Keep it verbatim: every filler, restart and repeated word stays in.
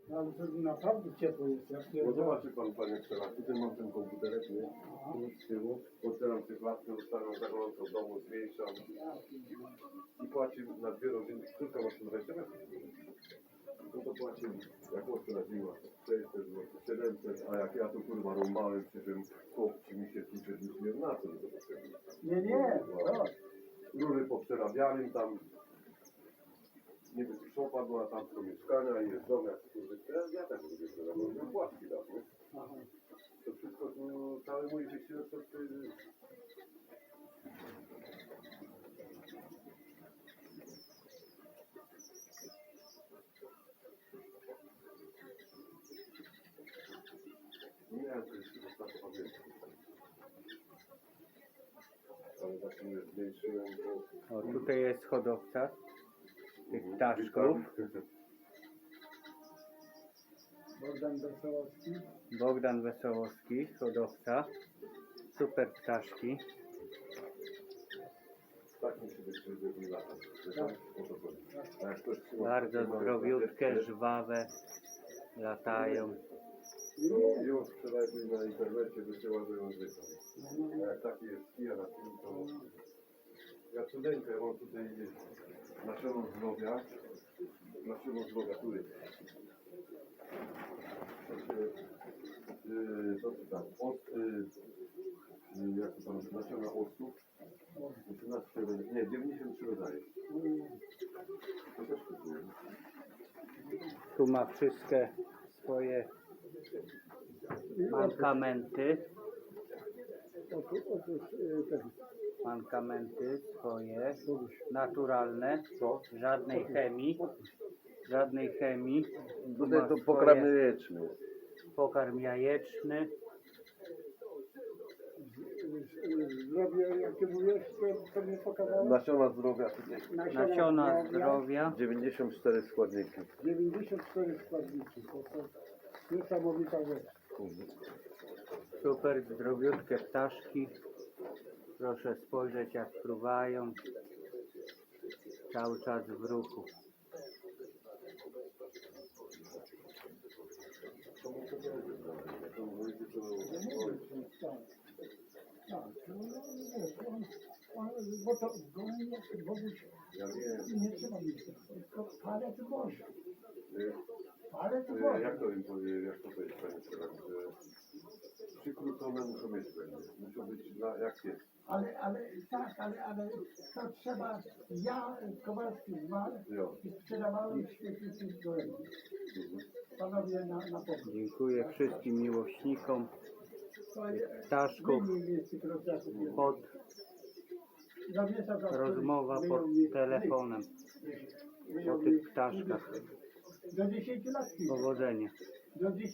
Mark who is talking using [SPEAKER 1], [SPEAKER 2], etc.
[SPEAKER 1] Ale to naprawdę ciepło jest. Ja
[SPEAKER 2] No
[SPEAKER 1] pierdolę.
[SPEAKER 2] zobaczy pan, panie Przela, tutaj mam ten komputerek, nie? Tu z tyłu, otwieram tę klatkę, ustawiam za gorąco w domu, zmniejszam i płaci na dwie rodziny, tylko masz dwadzieścia metrów. No to płaci, jak ostro zima, sześćset złotych, siedemset, a jak ja tu kurwa rąbałem przy tym chłopci mi się tu przed nie na co mi to potrzebne.
[SPEAKER 1] Nie, nie, no.
[SPEAKER 2] Rury poprzerabianym tam, niby szopa była tam do mieszkania i jest dom, jak kurwy, ja, ja tak lubię, że robię płatki tam, nie?
[SPEAKER 1] Aha.
[SPEAKER 2] To wszystko tu, cały mój wysiłek to ty... Nie wiem, czy jeszcze zostało pamiętać. Ale tak mnie zmniejszyłem, bo...
[SPEAKER 3] O, tutaj jest hodowca tych ptaszków.
[SPEAKER 1] Bogdan Wesołowski.
[SPEAKER 3] Bogdan Wesołowski, hodowca. Super ptaszki.
[SPEAKER 2] Tak mi się wykryły i lata. A jak ktoś trzyma...
[SPEAKER 3] Bardzo zdrowiutkie, żwawe. Latają.
[SPEAKER 2] To ją wczoraj na internecie wysyła, że ją zrykam. A jak taki jest kija na tym, to... Ja cudeńkę, ja mam tutaj nasiono zdrowia. Nasiono zdrowia, tu jest. To się... Yy, co to tam? Od... Yy, jak to tam? Nasiona octu. osiemnaście, nie, dziewięćdziesiąt trzy rodzaje. To też kupuję.
[SPEAKER 3] Tu ma wszystkie swoje mankamenty.
[SPEAKER 1] Otóż, otóż y, ten.
[SPEAKER 3] Mankamenty swoje, naturalne, żadnej chemii, żadnej chemii. Tu ma
[SPEAKER 2] Tutaj to
[SPEAKER 3] swoje
[SPEAKER 2] pokarm jajeczny.
[SPEAKER 3] pokarm jajeczny,
[SPEAKER 1] Zdrowie, jak ty mówisz, to, to mnie pokazało.
[SPEAKER 2] Nasiona zdrowia tutaj.
[SPEAKER 3] nasiona zdrowia.
[SPEAKER 2] dziewięćdziesiąt cztery składniki.
[SPEAKER 1] dziewięćdziesiąt cztery składniki. To, to niesamowita rzecz.
[SPEAKER 3] Super zdrowiutkie ptaszki. Proszę spojrzeć, jak fruwają. Cały czas w ruchu.
[SPEAKER 1] Tak. Tak. No, wiesz, on, on, bo to gołębie, Boguś,
[SPEAKER 2] Ja wiem.
[SPEAKER 1] nie trzeba mieć, tylko parę to może.
[SPEAKER 2] Y,
[SPEAKER 1] Parę to
[SPEAKER 2] y,
[SPEAKER 1] może.
[SPEAKER 2] Jak to im powiedzieć, jak to powiedzieć, panie Przewodniczący, że przykrócone muszą mieć będzie. Muszą być dla, jak jest.
[SPEAKER 1] Ale, ale tak, ale, ale to trzeba, ja Kowalski zmarł
[SPEAKER 2] Jo.
[SPEAKER 1] i sprzedawałem świetnie tych gołębi.
[SPEAKER 2] Mhm.
[SPEAKER 1] Panowie na, na pomoc.
[SPEAKER 3] Dziękuję wszystkim miłośnikom
[SPEAKER 1] To jest-
[SPEAKER 3] ptaszków.
[SPEAKER 1] wyjmij mnie z tych rozjazów.
[SPEAKER 3] Pod
[SPEAKER 1] Zawiesza za
[SPEAKER 3] rozmowa
[SPEAKER 1] któryś
[SPEAKER 3] pod
[SPEAKER 1] wyjął mi-
[SPEAKER 3] telefonem.
[SPEAKER 1] wyjął
[SPEAKER 3] O
[SPEAKER 1] mi-
[SPEAKER 3] tych ptaszkach.
[SPEAKER 1] Do dziesięciu lat.
[SPEAKER 3] Powodzenia.
[SPEAKER 1] Do dziesięciu